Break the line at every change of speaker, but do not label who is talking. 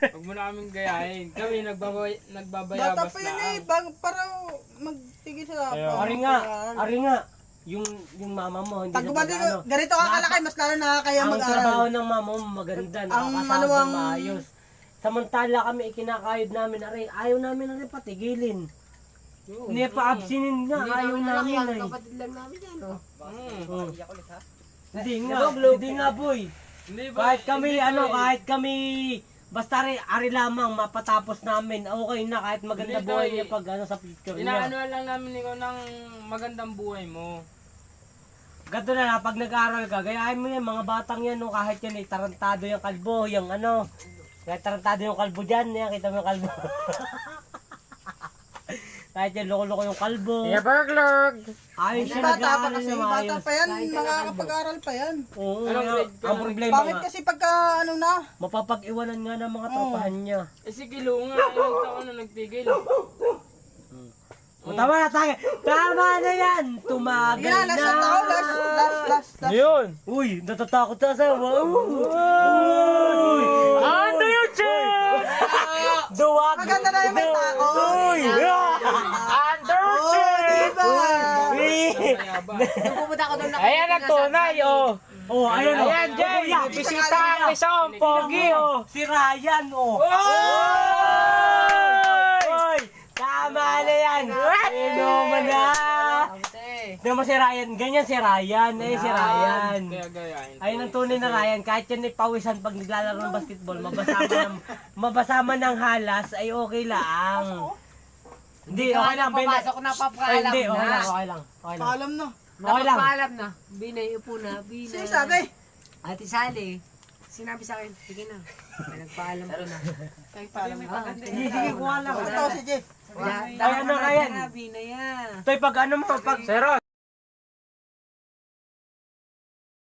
Huwag mo na kaming gayahin. Kami nagbabayabas
Bata pa yun eh, para magtigil sa
Ari nga, yung mama mo, hindi
pag
na
gumati
ano.
ganito ka kalaki, mas lalo nakakaya
Ang
mag-aral.
trabaho ng mama mo maganda, nakakasama
ang-
maayos. Samantala kami ikinakayod namin, Ari, ayaw namin na rin patigilin. Hindi pa absinin nga, ayaw namin ay.
Kapatid lang namin yan, oh.
Hindi nga boy.
Hindi ba?
Kahit kami, basta ari lamang mapatapos namin, okay na kahit maganda
Hindi,
buhay
Toy.
niya pag sa picture niya.
Inaano lang namin ikaw ng magandang buhay mo.
Ganto na pag nag-aaral ka, gayahin mo yan, mga batang yan, no, kahit yan tarantado yung kalbo, yung ano, kahit tarantado yung kalbo dyan, yan, kita mo yung kalbo. Kahit yan, loko-loko yung kalbo.
Burglog!
Ayos siya
Bata pa
nag-aaral
kasi,
ng
bata
ayos.
pa yan, makakapag-aral pa yan.
Oo,
Anong
nga,
grade ka
ang
na?
problema
Bakit
nga,
kasi pagka ano na,
mapapag-iwanan nga ng mga tropahan niya.
Eh si Kilo nga, ilang taon na nagtigil.
Tama na tayo. Tama na yan. Tumagal
yan,
na.
last.
Yun!
Uy, natatakot sa asawa. Uy!
Ano yun, Chen?
Duwag.
Maganda na yung may tako.
Uy!
Under
Oh, diba?
Nung pumunta ako doon na
Ayan ang tunay, oh.
Oh, ayan oh.
Ayan, Jay.
Kuya,
Bisita ang isang pogi, oh.
Si Ryan, oh. Uy! Tama na yan. Inuman na. Hindi mo si Ryan. Ganyan si Ryan. Eh, si Ryan.
Kaya gayahin.
Ayun ang tunay na Ryan. Kahit yan ay pawisan pag naglalaro ng basketball, mabasama ng halas ay okay lang. Hindi, okay lang.
Papasok na,
Ay,
papaalam
hindi, okay lang,
na.
okay lang. Okay lang.
Paalam na.
Okay lang.
Napapaalam na. Binay, upo na. Binay.
Sino sabi?
Ate Sally, sinabi sa akin, sige na. May nagpaalam ko na.
Paalam na.
Sige, sige, kuha lang.
Ito si Jeff.
Ay, ano, Ryan?
Binay ah.
Toy, pag ano mo, pag...
Sir Ron.